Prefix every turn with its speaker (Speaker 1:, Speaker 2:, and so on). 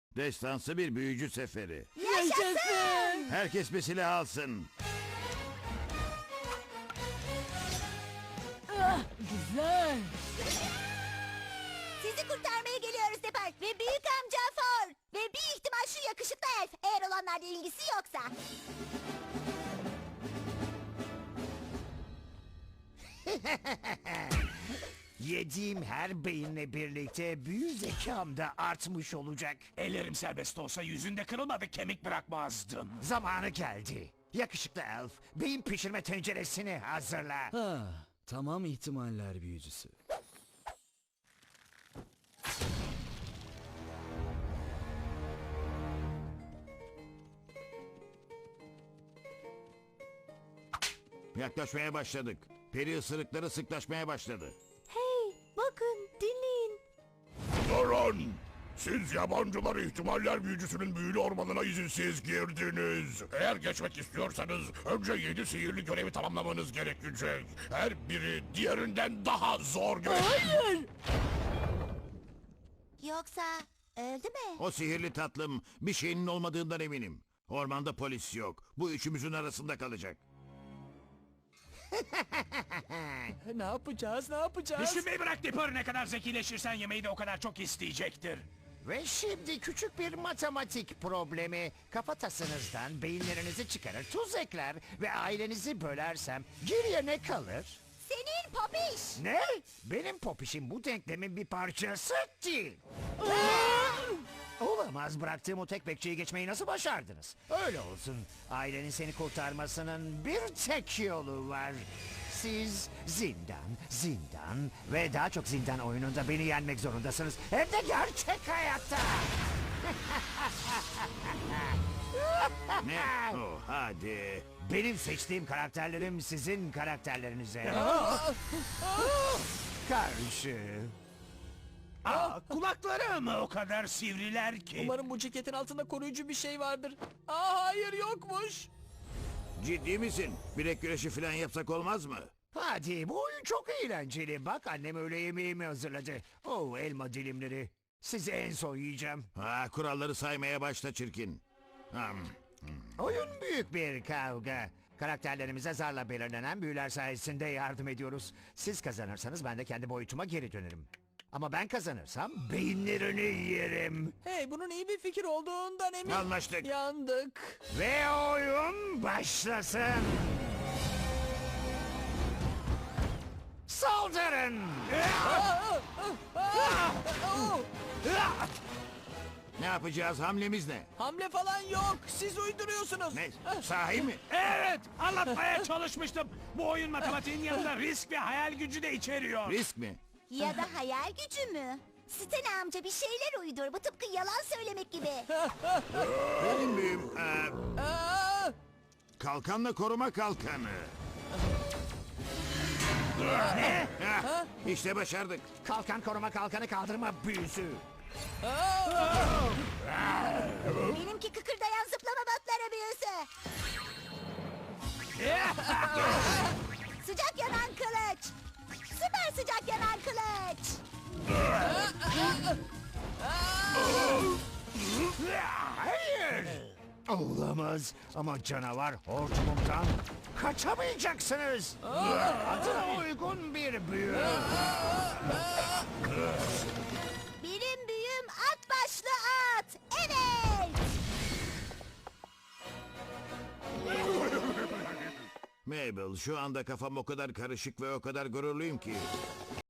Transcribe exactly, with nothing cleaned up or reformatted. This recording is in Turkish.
Speaker 1: Destansı bir büyücü seferi.
Speaker 2: Yaşasın!
Speaker 1: Herkes bir silah alsın.
Speaker 2: Ah, güzel.
Speaker 3: Sizi kurtarmaya geliyoruz Depar ve büyük amca Ford. Ve bir ihtimal şu yakışıklı elf. Eğer olanlarla ilgisi yoksa.
Speaker 4: Yediğim her beyinle birlikte büyü zekam da artmış olacak.
Speaker 5: Ellerim serbest olsa yüzünde kırılmadı kemik bırakmazdım.
Speaker 4: Zamanı geldi. Yakışıklı elf, beyin pişirme tenceresini hazırla.
Speaker 6: Ha, tamam ihtimaller büyücüsü.
Speaker 1: Yaklaşmaya başladık. Peri ısırıkları sıklaşmaya başladı.
Speaker 3: Hey, bakın, dinleyin.
Speaker 7: Durun! Siz yabancılar ihtimaller büyücüsünün büyülü ormanına izinsiz girdiniz. Eğer geçmek istiyorsanız önce yedi sihirli görevi tamamlamanız gerekecek. Her biri diğerinden daha zor görev.
Speaker 2: Hayır.
Speaker 3: Yoksa öldü mü?
Speaker 1: O sihirli tatlım bir şeyinin olmadığından eminim. Ormanda polis yok. Bu üçümüzün arasında kalacak.
Speaker 6: Ne yapacağız, ne yapacağız?
Speaker 5: Düşünmeyi bırak Dipper, ne kadar zekileşirsen yemeği de o kadar çok isteyecektir.
Speaker 4: Ve şimdi küçük bir matematik problemi. Kafatasınızdan beyinlerinizi çıkarır, tuz ekler ve ailenizi bölersem geriye ne kalır?
Speaker 3: Senin popiş.
Speaker 4: Ne? Benim popişim bu denklemin bir parçası değil. Olamaz, bıraktığım o tek bekçiyi geçmeyi nasıl başardınız? Öyle olsun. Ailenin seni kurtarmasının bir tek yolu var. Siz zindan, zindan ve daha çok zindan oyununda beni yenmek zorundasınız. Hem de gerçek hayatta.
Speaker 1: Ne? Oh, hadi.
Speaker 4: Benim seçtiğim karakterlerim sizin karakterlerinize karşı.
Speaker 5: Aa, kulakları mı o kadar sivriler ki?
Speaker 6: Umarım bu ceketin altında koruyucu bir şey vardır. Aa, hayır, yokmuş.
Speaker 1: Ciddi misin? Bilek güreşi falan yapsak olmaz mı?
Speaker 4: Hadi, bu oyun çok eğlenceli. Bak, annem öğle yemeğimi hazırladı. Oh, elma dilimleri. Sizi en son yiyeceğim.
Speaker 1: Ha, kuralları saymaya başla çirkin. Hmm.
Speaker 4: Oyun büyük bir kavga. Karakterlerimize zarla belirlenen büyüler sayesinde yardım ediyoruz. Siz kazanırsanız ben de kendi boyutuma geri dönerim. Ama ben kazanırsam beyinlerini yerim.
Speaker 6: Hey, bunun iyi bir fikir olduğundan eminim.
Speaker 1: Anlaştık.
Speaker 6: Yandık.
Speaker 4: Ve oyun başlasın. Saldırın!
Speaker 1: Ne yapacağız? Hamlemiz ne?
Speaker 6: Hamle falan yok. Siz uyduruyorsunuz.
Speaker 1: Ne? Sahi mi?
Speaker 5: Evet, anlatmaya çalışmıştım. Bu oyun matematiğin yanında risk ve hayal gücü de içeriyor.
Speaker 1: Risk mi?
Speaker 3: Ya da hayal gücü mü? Stene amca bir şeyler uydur. Bu tıpkı yalan söylemek gibi.
Speaker 1: Benim büyüm. Ee,
Speaker 6: Aa!
Speaker 1: kalkanla koruma kalkanı. Ha, İşte başardık.
Speaker 4: Kalkan koruma kalkanı kaldırma büyüsü.
Speaker 3: Benimki kıkırdayan zıplama batları büyüsü. Sıcak yanan kılıç. Süper sıcak yanan kılıç.
Speaker 4: Hayır! Olamaz ama canavar hortumumdan kaçamayacaksınız. Adına uygun bir büyü.
Speaker 3: Benim büyüm at başlı at. Evet.
Speaker 1: Mabel, şu anda kafam o kadar karışık ve o kadar gururluyum ki.